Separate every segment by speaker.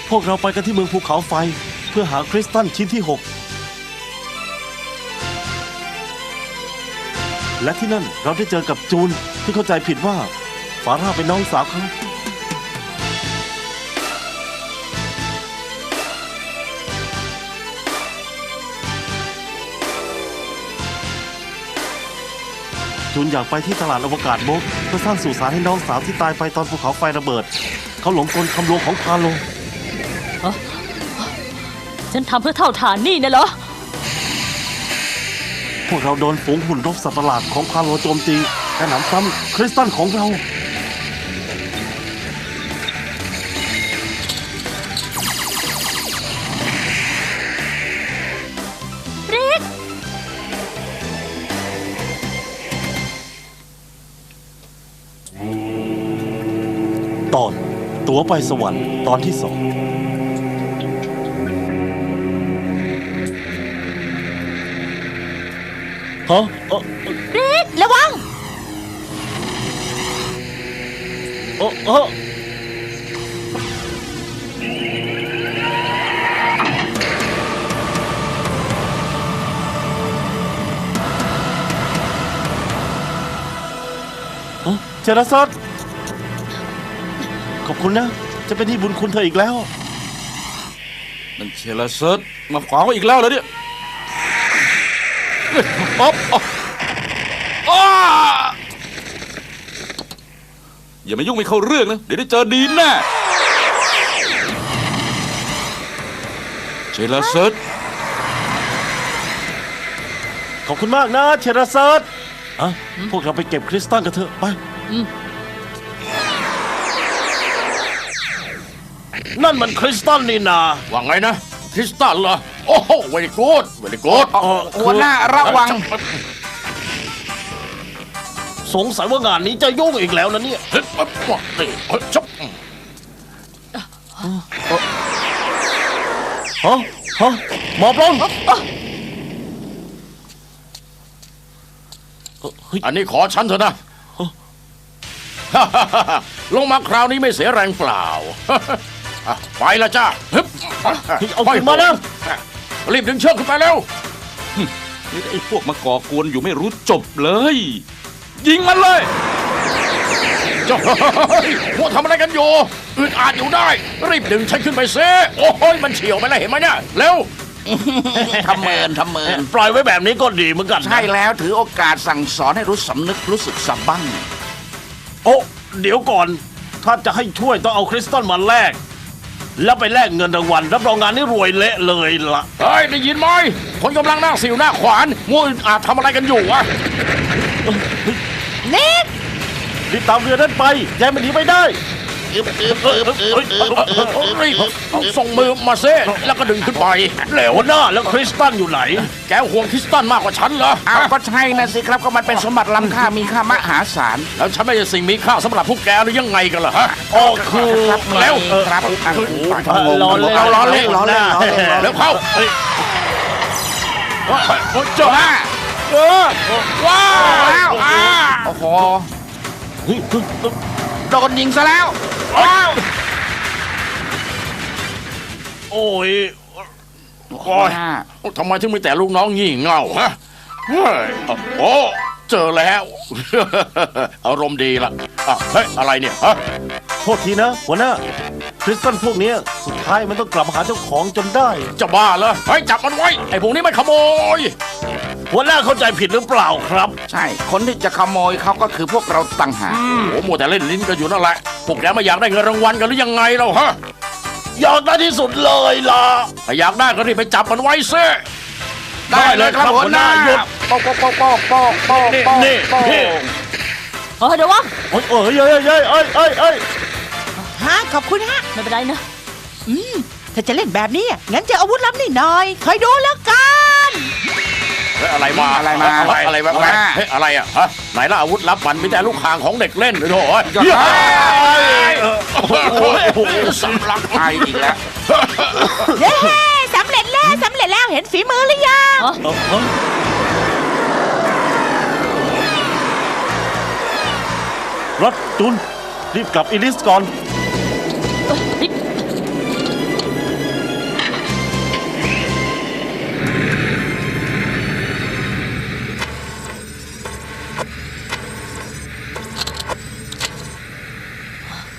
Speaker 1: พวกเราไปกันที่เมืองภูเขาไฟเพื่อหาคริสตัลชิ้นที่ 6และที่นั่นเราได้เจอกับจูนที่เข้าใจผิดว่าฟาร่าเป็นน้องสาวเขาจูนอยากไปที่ตลาดอวกาศโบกเพื่อสร้างสุสานให้น้องสาวที่ตายไปตอนภูเขาไฟระเบิดเขาหลงกลคำลวงของพาโล
Speaker 2: ฉันทำเพื่อเท่าฐานนี่นะเหรอ
Speaker 1: พวกเราโดนฝูงหุ่นรบสัตว์ประหลาดของพาโลโจมตีและหนำซ้ำคริสตัลของเรา
Speaker 2: ริก
Speaker 1: ตอนตั๋วไปสวรรค์ตอนที่ 2ฮะ
Speaker 2: ริกระวัง
Speaker 1: เจราซัสขอบคุณนะจะเป็นที่บุญคุณเธออีกแล้ว
Speaker 3: มันเชลเซิร์ตมาขวางไว้อีกแล้วเหรอเนี่ยป๊อปอย่ามายุ่งไม่เข้าเรื่องนะเดี๋ยวได้เจอดีนแน่เชลเซิร์ต
Speaker 1: ขอบคุณมากนะเชราซัสพวกเราไปเก็บคริสตัลกันเถอะไปนั่นมันคริสตัลนี่นา
Speaker 4: ว่าไงนะคริสตัลเหรอโอ้โหเวลิกูด
Speaker 3: หัวหน้าระวัง
Speaker 1: สงสัยว่างานนี้จะยุ่งอีกแล้วนะเนี่ยหมอบลง
Speaker 4: อันนี้ขอฉันเถอะนะลงมาคราวนี้ไม่เสียแรงเปล่าไปละจ้า
Speaker 1: เอาขึ้นมาแล้ว
Speaker 4: รีบดึงเชือกขึ้นไปเร็ว
Speaker 3: นี่ไอ้พวกมาก่อกวนอยู่ไม่รู้จบเลยยิงมันเลย
Speaker 4: พวกทำอะไรกันอยู่อึดอัดอยู่ได้รีบดึงฉันขึ้นไปเซ่โอ้ยมันเฉี่ยวไปแล้วเห็นไหมเนี่ยเร็ว
Speaker 5: ทำเมิน
Speaker 1: ปล่อยไว้แบบนี้ก็ดีเหมือนกัน
Speaker 5: ใช่แล้วถือโอกาสสั่งสอนให้รู้สำนึกรู้สึกสับบ้าง
Speaker 1: โอ้เดี๋ยวก่อนถ้าจะให้ช่วยต้องเอาคริสตัลมาแลกแล้วไปแลกเงินรางวัลรับรองงานนี้รวยเละเลยล่ะ
Speaker 4: เฮ้ยได้ยินไหมคนกำลังนั่งสิวหน้าขวานมัวอึดอัดทำอะไรกันอยู่วะ
Speaker 2: นิก
Speaker 1: รีบตามเรือนั้นไปแกมันหนีไม่ได้
Speaker 4: ส่งมือมาเซ่แล้วก็ดึงขึ้นไป
Speaker 1: เร็วหน้าแล้วคริสตัลอยู่ไหน
Speaker 4: แกห่วงคริสตัลมากกว่าฉันเหรอ
Speaker 5: ก็ใช่นะสิครับก็มันเป็นสมบัติล้ำค่ามีค่ามหาศาล
Speaker 4: แล้วฉันไม่ใช่สิ่งมีค่าสำหรับพวกแกหรือยังไงกันล่ะฮะ
Speaker 1: คือ
Speaker 5: แล้วครับ
Speaker 1: ล้อเล่น
Speaker 4: แล้วเข้า
Speaker 5: จ้า
Speaker 4: ว้าว
Speaker 5: โอ้โหโดนยิงซะแล้ว
Speaker 1: โอ้ย
Speaker 4: ทำไมถึงมีแต่ลูกน้องงี่เง่าฮะโอ้เจอแล้วอารมณ์ดีละเฮ้ยอะไรเนี่ยฮะ
Speaker 1: โทษทีนะหัวหน้าคริสตัลพวกนี้สุดท้ายมันต้องกลับมาหาเจ้าของจนได้
Speaker 4: จะบ้าเหรอเฮ้ยจับมันไว้ไอ้พวกนี้มันขโมย
Speaker 1: หัวหน้าเข้าใจผิดหรือเปล่าครับ
Speaker 5: ใช่คนที่จะขโมยเขาก็คือพวกเราต่างหาก
Speaker 4: โอ้โหมัวแต่เล่นลิ้นกันอยู่นั่นแหละพวกแกไม่อยากได้เงินรางวัลกันหรือยังไงเราฮะ
Speaker 1: อยากได้ที่สุดเลยล่ะ
Speaker 4: ถ้าอยากได้ก็รีบไปจับมันไว้ซิ
Speaker 5: ได้เลยครับหัวหน้าหยุดโป๊ก
Speaker 1: นี่
Speaker 2: เดี๋ยววะ
Speaker 1: เอ้ย
Speaker 6: ฮะขอบคุณฮะ
Speaker 2: ไม่เป็นไรนะ
Speaker 6: ถ้าจะเล่นแบบนี้งั้นจะอาวุธลับนี่หน่อยคอยดูแล้วกัน
Speaker 4: อะไรมาอะไรแบบอะไรอ่ะฮะไหนล่ะอาวุธลับมันมีแต่ลูกคางของเด็กเล่นเลยโถ่สำลัก
Speaker 5: ไปอีกแล้ว
Speaker 6: เย้สำเร็จแล้วเห็นฝีมือหรือยัง
Speaker 1: รถจุนรีบกลับอิลิสก่อน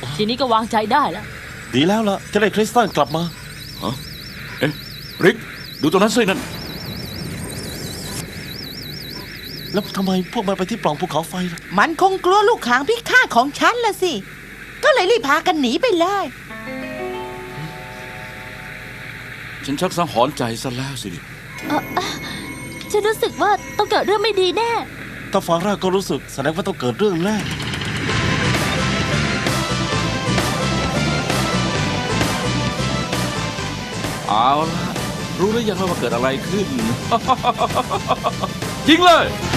Speaker 2: ทีนี้ก็วางใจได้แล้ว
Speaker 1: ดีแล้วล่ะจะได้คริสตัลกลับมา
Speaker 3: เอ๊ะริกดูตรงนั้นสินั่น
Speaker 1: แล้วทำไมพวกมันไปที่ปล่องภูเขาไฟล่ะ
Speaker 6: มันคงกลัวลูกหางพิฆาตของฉันละสิ ก็เลยรีบพากันหนีไปเลย
Speaker 3: ฉันชักสังหรณ์ใจซะแล้วสิ
Speaker 2: ฉันรู้สึกว่าต้องเกิดเรื่องไม่ดีแน่
Speaker 1: ถ้าฟาร่าก็รู้สึกแสดงว่าต้องเกิดเรื่องแน่
Speaker 3: เอาละรู้หรือยังว่าเกิดอะไรขึ้น ยิงเลย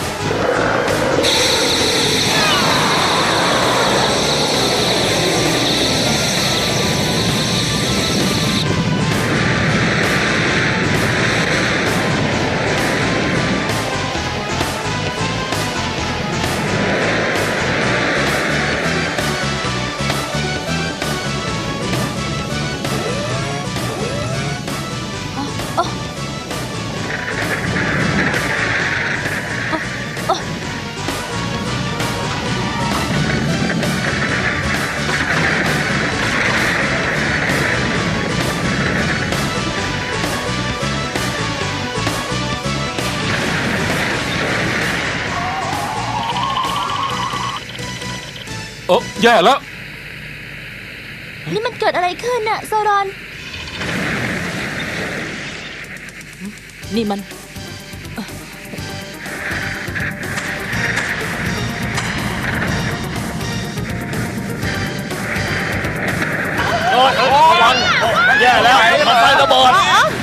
Speaker 3: แย่แล้ว
Speaker 2: นี่มันเกิดอะไรขึ้นน่ะโซรอน นี่มัน
Speaker 1: ระวังแย่แล้วมันไฟระเบิด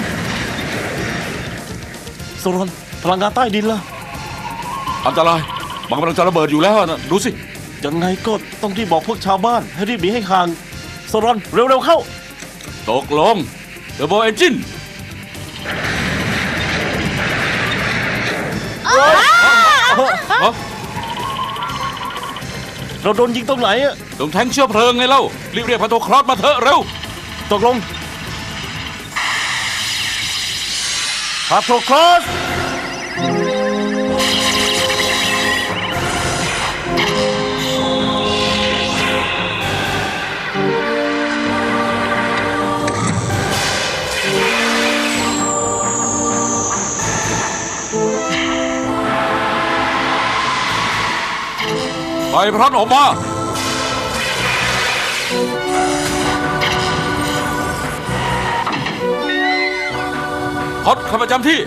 Speaker 1: โซรอนพลังงานใต้ดินล่ะ
Speaker 3: อันตรายมันกำลังจะระเบิดอยู่แล้วนะดูสิ
Speaker 1: ยังไงก็ต้องรีบบอกพวกชาวบ้านให้รีบหนีให้ห่างโซรอนเร็วๆเข้า
Speaker 3: ตกลงเดอะโบเอนจิน
Speaker 1: เราโดนยิงตรงไหนอะ
Speaker 3: ตรงแทงเชื้อเพลิงไงเล่า รีบเรียกพาโทครอสมาเถอะเร็ว
Speaker 1: ตกลงพาโทครอส
Speaker 3: ไปพรันออกมาฮอตเข้าประจำที่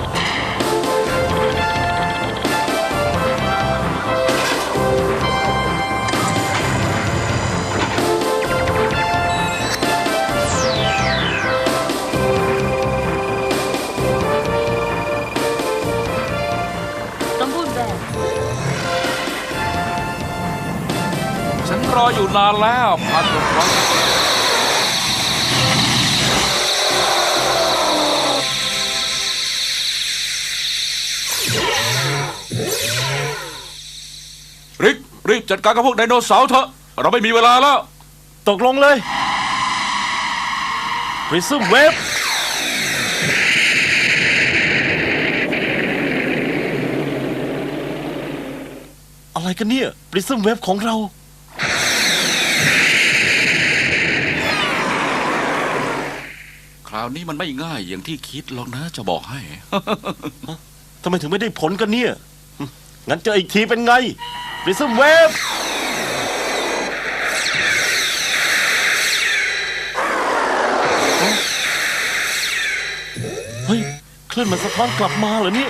Speaker 2: ต้องพูดแบบ
Speaker 3: ฉันรออยู่นานแล้วพาโทครอสริกรีบจัดการกับพวกไดโนเสาร์เถอะเราไม่มีเวลาแล้ว
Speaker 1: ตกลงเลยปริซึมเวฟอะไรกันเนี่ยปริซึมเวฟของเรา
Speaker 3: คราวนี้มันไม่ง่ายอย่างที่คิดหรอกนะจะบอกให้
Speaker 1: ทำไมถึงไม่ได้ผลกันเนี่ย งั้นเจออีกทีเป็นไงปริซึมเวฟเฮ้ยคลื่นมันสะท้อนกลับมาเหรอเนี่ย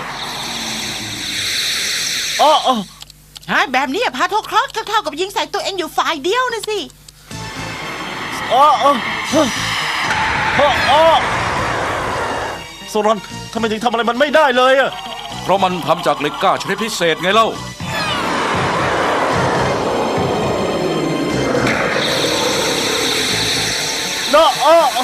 Speaker 1: อ๋อ
Speaker 6: แบบนี้พาโทครอสก็เท่ากับยิงใส่ตัวเองอยู่ฝ่ายเดียวนะสิ
Speaker 1: โซรอนทำไมถึงทำอะไรมันไม่ได้เลยอะ
Speaker 3: เพราะมันทำจากเหล็กกล้าชนิดพิเศษไงเล่า
Speaker 1: เนาะ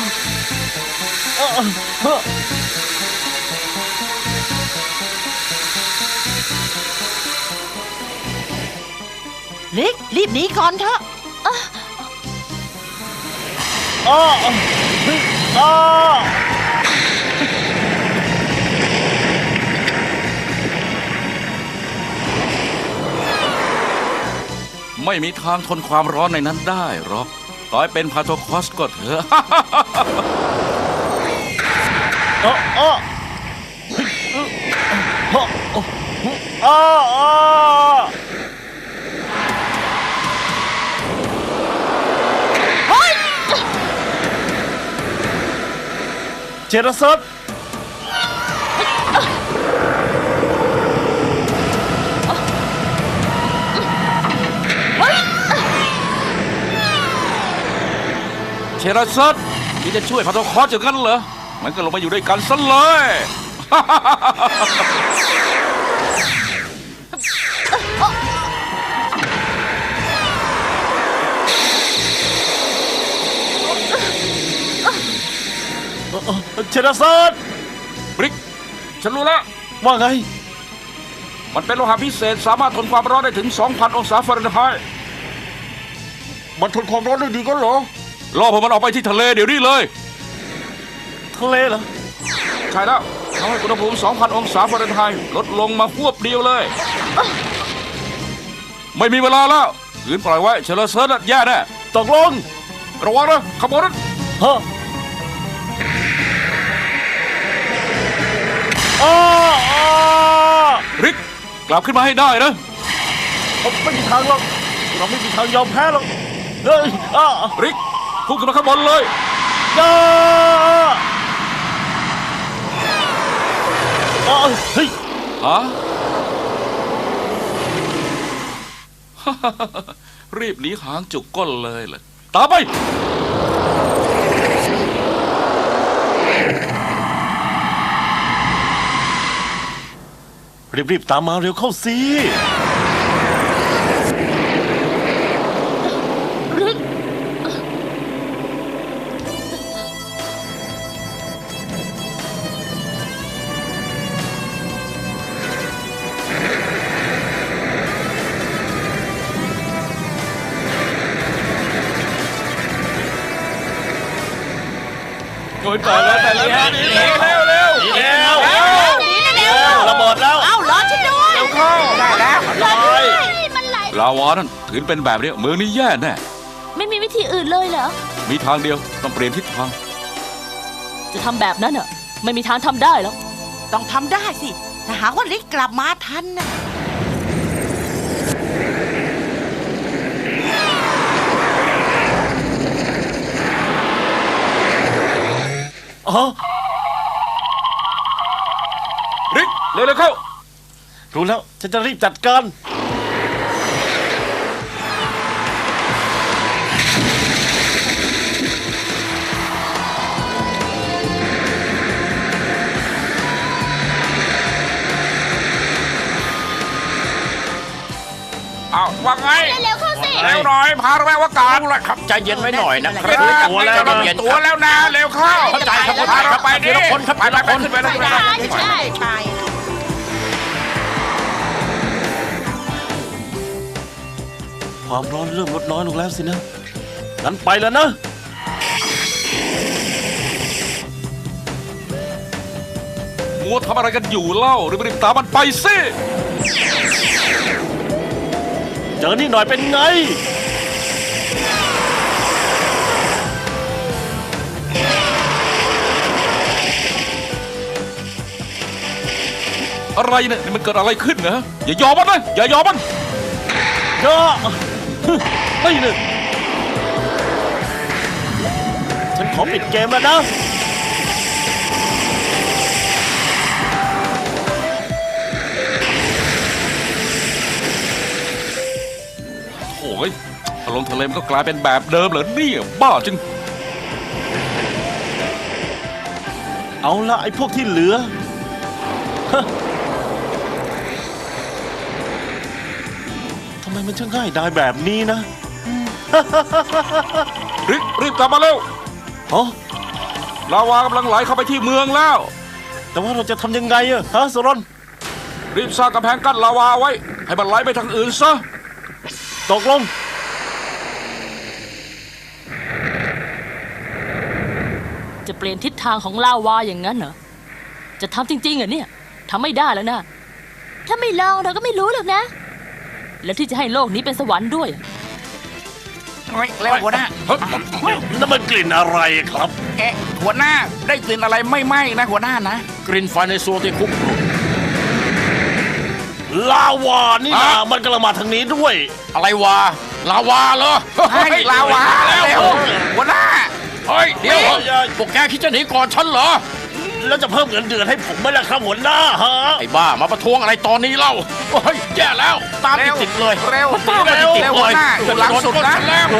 Speaker 6: ลิกรีบหนีก่อนเถอะ
Speaker 3: มไม่มีทางทนความร้อนในนั้นได้หรอกต่อให้เป็นพาโทคอสก็เถอะ
Speaker 1: เออเออเฮ้ยเออเจรสัต
Speaker 3: เชราซัตที่จะช่วยพาโทคอสอย่างนั้นเหรอมันก็ลงมาอยู่ด้วยกันซะเลย
Speaker 1: เจรสัต
Speaker 3: บริกฉันรู้แล้ว
Speaker 1: ว่าไง
Speaker 3: มันเป็นโลหะพิเศษสามารถทนความร้อนได้ถึง 2,000 องศาฟาเรนไฮต์
Speaker 1: มันทนความร้อนได้ดีก็เหรอ
Speaker 3: ล่อพวกมันออกไปที่ทะเลเดี๋ยวนี้เลย
Speaker 1: ทะเลเหรอ
Speaker 3: ใช่แล้วทำให้อุณหภูมิ 2,000 องศาฟาเรนไฮต์ลดลงมาควบเดียวเลย ไม่มีเวลาแล้วขืนปล่อยไว้เชลเซิร์ดแย่แน่
Speaker 1: ตกลง
Speaker 3: ระวังนะขบวนนั้น
Speaker 1: ฮะอ้า
Speaker 3: ริกกลับขึ้นมาให้ได้นะ
Speaker 1: ไม่มีทางหรอกเราไม่มีทางยอมแพ้หรอกเฮ้ยอ้า
Speaker 3: ริกพุ่งขึ้นมาข้างบนเลย
Speaker 1: อ้าอ้าเฮ้ย
Speaker 3: ฮะ รีบหนีหางจุกก้นเลยเหรอตามไป
Speaker 1: รีบๆตามมาเร็วเข้าสิ
Speaker 2: ริก
Speaker 1: โอ้ยตายแล้วแต่แล้ว
Speaker 3: เร็วเร็วเร็ว
Speaker 1: เร็วระเบิดแล้ว
Speaker 6: เอ้ารอฉันด้วย
Speaker 5: ได้แล้ว
Speaker 2: มันไหล
Speaker 3: ลาวานั่นถือเป็นแบบนี้เมืองนี้แย่แน่
Speaker 2: ไม่มีวิธีอื่นเลยเหรอ
Speaker 3: มีทางเดียวต้องเปลี่ยนทิศทาง
Speaker 2: จะทำแบบนั้นอ่ะ ไม่มีทางทำได้หรอก
Speaker 6: ต้องทำได้สิ ถ้าหากว่าลิกกลับมาทันนะ
Speaker 1: อ๋อ
Speaker 3: ริกเร็วเร็วเข้า
Speaker 1: รู้แล้วฉันจะรีบจัดการ
Speaker 5: เอาว่าไง
Speaker 2: เร็วเข้าสิ
Speaker 5: เร็วหน่อยพาเราไปว่าการ
Speaker 4: ละครับใจเย็นไว้หน่อยนะค
Speaker 5: เร็
Speaker 4: รับ
Speaker 5: วแล้วตัวแล้วนะเร็วเข้า
Speaker 4: เข้าใจครับ
Speaker 5: พาเราไปดิ
Speaker 4: ทีละคนครับ
Speaker 5: ไปไปขึ้นไปแล้ว
Speaker 6: ใช่ใช่
Speaker 1: ความร้อนเริ่มลดน้อยลงแล้วสินะ งั้นไปแล้วนะ
Speaker 3: มัวทำอะไรกันอยู่เล่ารีบๆตามมันไปสิ
Speaker 1: เจอนี่หน่อยเป็นไง
Speaker 3: อะไรเนี่ยนี่มันเกิดอะไรขึ้นนะอย่ายอมมันนะอย่ายอมมัน
Speaker 1: ก็ไม่หนึ่งฉันขอปิดเกมแล้วนะ
Speaker 3: โอ้ยพอลงทะเลมันก็กลายเป็นแบบเดิมเหรอเนี่ยบ้าจริง
Speaker 1: เอาละไอ้พวกที่เหลือฮะทำไมมันช่างง่ายดายแบบนี้นะ
Speaker 3: รีบกลับมาเร็ว
Speaker 1: อ๋อ
Speaker 3: ลาวากำลังไหลเข้าไปที่เมืองแล้ว
Speaker 1: แต่ว่าเราจะทำยังไงอะฮะโซรอน
Speaker 3: รีบสร้างกำแพงกั้นลาวาไว้ ให้มันไหลไปทางอื่นซะ
Speaker 1: ตกลง
Speaker 2: จะเปลี่ยนทิศทางของลาวาอย่างนั้นเหรอ จะทำจริงๆเหรอเนี่ยทำไม่ได้แล้วนะ ถ้าไม่ลองเราก็ไม่รู้หรอกนะและที่จะให้โลกนี้เป็นสวรรค์ด้วย
Speaker 5: เฮ้ยแล้วหัวหน้า
Speaker 1: นั่นมันกลิ่นอะไรครับ
Speaker 5: เอ๊ะหัวหน้าได้กลิ่นอะไรไม่ไหม้นะหัวหน้านะ
Speaker 4: กลิ่นไฟในโซที่คุกรุ่น
Speaker 1: ลาวานี่นะมันกำลังมาทางนี้ด้วย
Speaker 4: อะไรวะลาวาเหรอ
Speaker 5: ให้ลาวา
Speaker 4: แล้ว
Speaker 5: เร็วหัวหน้า
Speaker 4: เฮ้ยเดี๋ยวพวกแกคิดจะหนีก่อนฉันเหรอ
Speaker 1: แล้วจะเพิ่มเงินเดือนให้ผมไหมล่ะครับหัวหน้าฮะ
Speaker 4: ไอ้บ้ามาประท้วงอะไรตอนนี้เล่าเฮ้ยแย่แล้วตามติดๆเลย
Speaker 5: เร็ว
Speaker 4: ตามมาติด
Speaker 5: เร็ว
Speaker 4: ๆ
Speaker 5: หั
Speaker 4: เล
Speaker 5: วยหน้าอยู่หลังสุดนะ
Speaker 4: ฉัแล้ว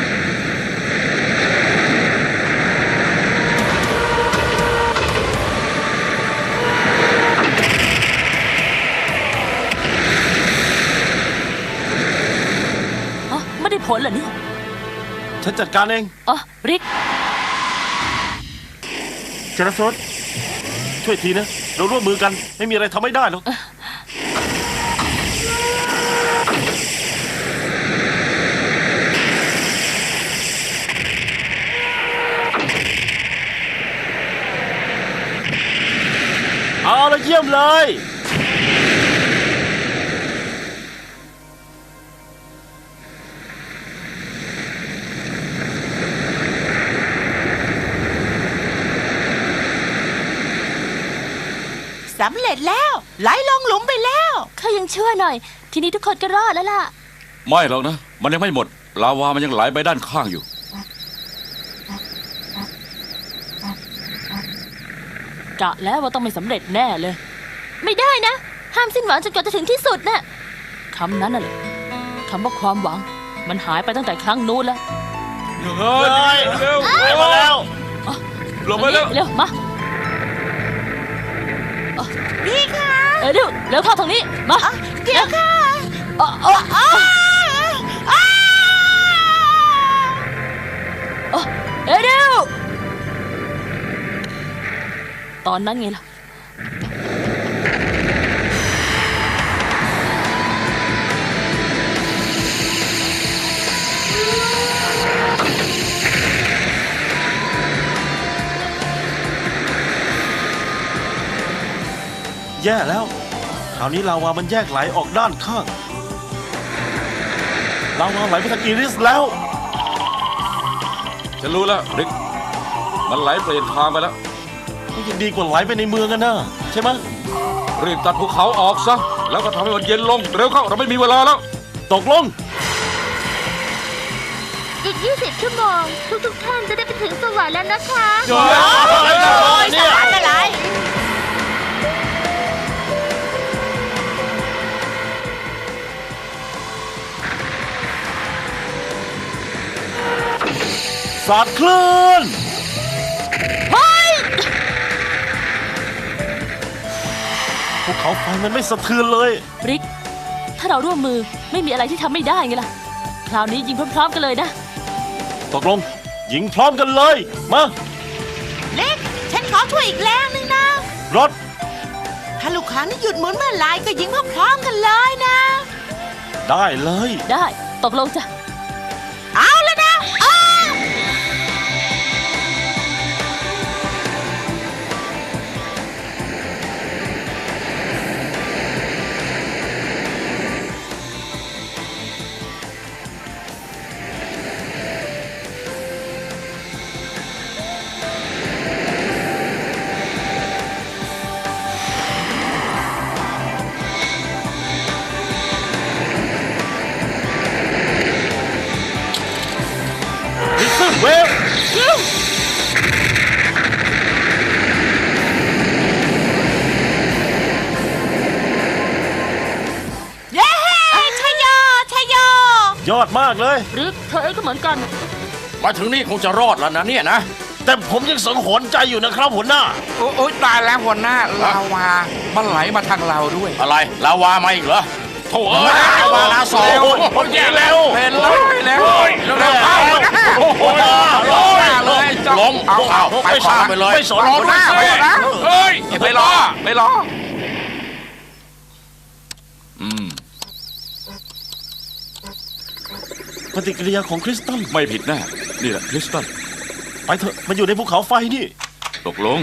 Speaker 2: อ๋อ ไม่ได้ผลเหรอเนี่ย
Speaker 1: ฉันจัดการเอง
Speaker 2: อ๋อ ริก
Speaker 1: เจรสดช่วยทีนะ เราร่วมมือกันไม่มีอะไรทำไม่ได้หรอก เอาละเยี่ยมเลย
Speaker 6: สำเร็จแล้วไหลลงหลุมไปแล้ว
Speaker 2: ข้ายังเชื่อหน่อย ทีนี้ทุกคนก็รอดแล้วล่ะ
Speaker 3: ไม่หรอกนะ มันยังไม่หมด ลาวามันยังไหลไปด้านข้างอยู่
Speaker 2: กะแล้วว่าต้องไม่สำเร็จแน่เลย ไม่ได้นะ ห้ามสิ้นหวังจนกว่าจะถึงที่สุดน่ะคำนั้นน่ะแหละคำว่าความหวัง มันหายไปตั้งแต่ครั้งนู้นแล้ว
Speaker 3: เฮ้ยเร็ว
Speaker 1: มาแล้ว
Speaker 3: ลงไปแล้ว
Speaker 2: เร็วมา
Speaker 6: นี่ค่ะ
Speaker 2: เร็วเร็วเข้าทางนี้ มา
Speaker 6: เดี๋ยวค่ะ
Speaker 2: อ๋ออ๋ออ๋อเร็วตอนนั้นไงล่ะ
Speaker 1: แย่แล้ว คราวนี้ลาวามันแยกไหลออกด้านข้าง ลาวาไหลไปทางอีริสแล้ว
Speaker 3: ฉันรู้แล้วริก มันไหลเปลี่ยนทางไปแล้ว
Speaker 1: มันยังดีกว่าไหลไปในเมืองกันนะใช่ไหม
Speaker 3: รีบตัดภูเขาออกซะ แล้วก็ทำให้มันเย็นลง เร็วเข้า เราไม่มีเวลาแล้ว
Speaker 1: ตกลง
Speaker 7: อีก 20 ชั่วโมง ทุกท่านจะได้ไปถึงสวรรค์แล้วนะคะ
Speaker 1: เนี่ย
Speaker 6: อะไร
Speaker 1: สาดคลื่นภูเขาไฟมันไม่สะเทือนเลย
Speaker 2: ริก ถ้าเราร่วมมือไม่มีอะไรที่ทำไม่ได้ไงล่ะ คราวนี้ยิงพร้อมๆกันเลยนะ
Speaker 1: ตกลง ยิงพร้อมกันเลย มา
Speaker 6: เล็ก ฉันขอช่วยอีกแรงหนึ่งนะ
Speaker 1: รถ
Speaker 6: ถ้าลูกค้างนี่หยุดหมุนเมื่อไหรก็ยิงพร้อมๆกันเลยนะ
Speaker 1: ได้เลย
Speaker 2: ได้ตกลงจ้ะ
Speaker 6: เอาแล้วนะอ้าว
Speaker 1: ดิสเวฟ
Speaker 6: เย้ชัยโยชัยโย
Speaker 1: ยอดมากเลย
Speaker 2: ริกเธอเองก็เหมือนกัน
Speaker 4: มาถึงนี่คงจะรอดแล้วนะเนี่ยนะ
Speaker 1: แต่ผมยังสังหรณ์ใจอยู่นะครับหัวหน้า
Speaker 5: โอ้ยตายแล้วหัวหน้าลาวา มันไหลมาทางเราด้วย
Speaker 4: อะไรลาวามาอีกเหรอโถ่เอ้ยลาวาลาสอง
Speaker 1: โอ้ยแย่แล้ว
Speaker 5: เป็นเลยแล้วเร็วๆเข้าหัวหน้า
Speaker 1: หัวหน้า
Speaker 5: หัวหน้าเลยจ้อง
Speaker 4: ล้ม
Speaker 5: เอา
Speaker 4: ไปข้ามไปเลย
Speaker 1: ไม่สน
Speaker 5: รอหัวหน้าหัวหน้า
Speaker 4: เฮ้ย
Speaker 5: ไปรอไปรอ
Speaker 1: ปฏิกิริยาของคริสตัล
Speaker 3: ไม่ผิดแน่ นี่แหละคริสตัล
Speaker 1: ไปเถอะ มันอยู่ในภูเขาไฟนี่
Speaker 3: ตกลง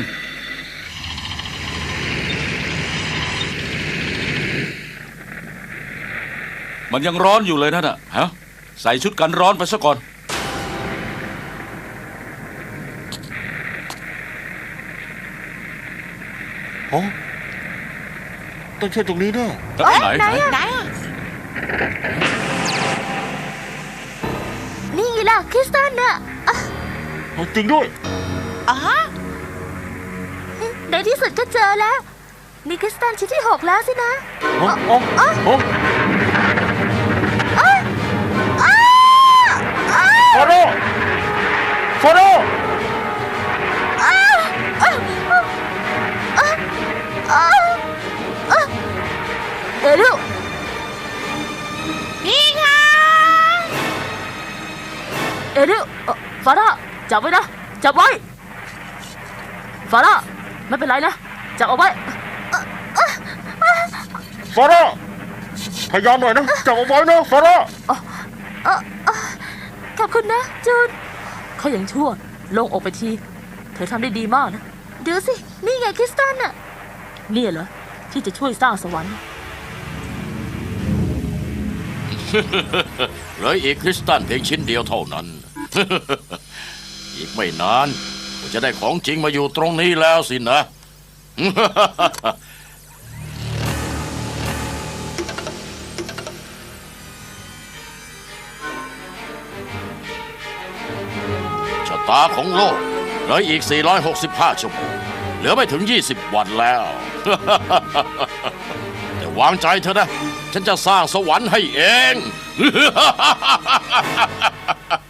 Speaker 3: มันยังร้อนอยู่เลยนั่นน่ะฮะใส่ชุดกันร้อนไปซะก่อน
Speaker 1: โอ้ต้องใช่ตรงนี้แน่
Speaker 3: ไหน
Speaker 6: ไหนอะ
Speaker 7: นี่ไงล่ะคริสตัลน่ะ
Speaker 1: เอาจริงด้วย
Speaker 6: อ๋อ
Speaker 7: ในที่สุดก็เจอแล้ว มีคริสตัลชิ้นที่ 6 แล้วสินะ
Speaker 1: โอ้โอ้โอ้ฟาโร่ฟาโร่
Speaker 7: เอริล
Speaker 6: นี่ค่ะ
Speaker 2: เอริลฟาร่าจับไว้นะ จับไว้ ฟาร่าไม่เป็นไรนะ จับเอาไว้
Speaker 1: ฟาโร่พยายามหน่อยนะจับเอาไว้นะฟาโร่
Speaker 7: ขอบคุณนะจูน
Speaker 2: เขายังชั่วโลงอกไปที เธอทำได้ดีมากนะ
Speaker 7: ดูสิ นี่ไงคริสตัลน่ะ
Speaker 2: เนี่ยเหรอ ที่จะช่วยสร้างสวรรค์
Speaker 4: เหลืออีกคริสตัลเพียงชิ้นเดียวเท่านั้น อีกไม่นานก็จะได้ของจริงมาอยู่ตรงนี้แล้วสินะ ชะตาของโลกเหลืออีก 465 ชั่วโมง เหลือไม่ถึง 20 วันแล้ว แต่วางใจเถอะนะ ฉันจะสร้างสวรรค์ให้เอง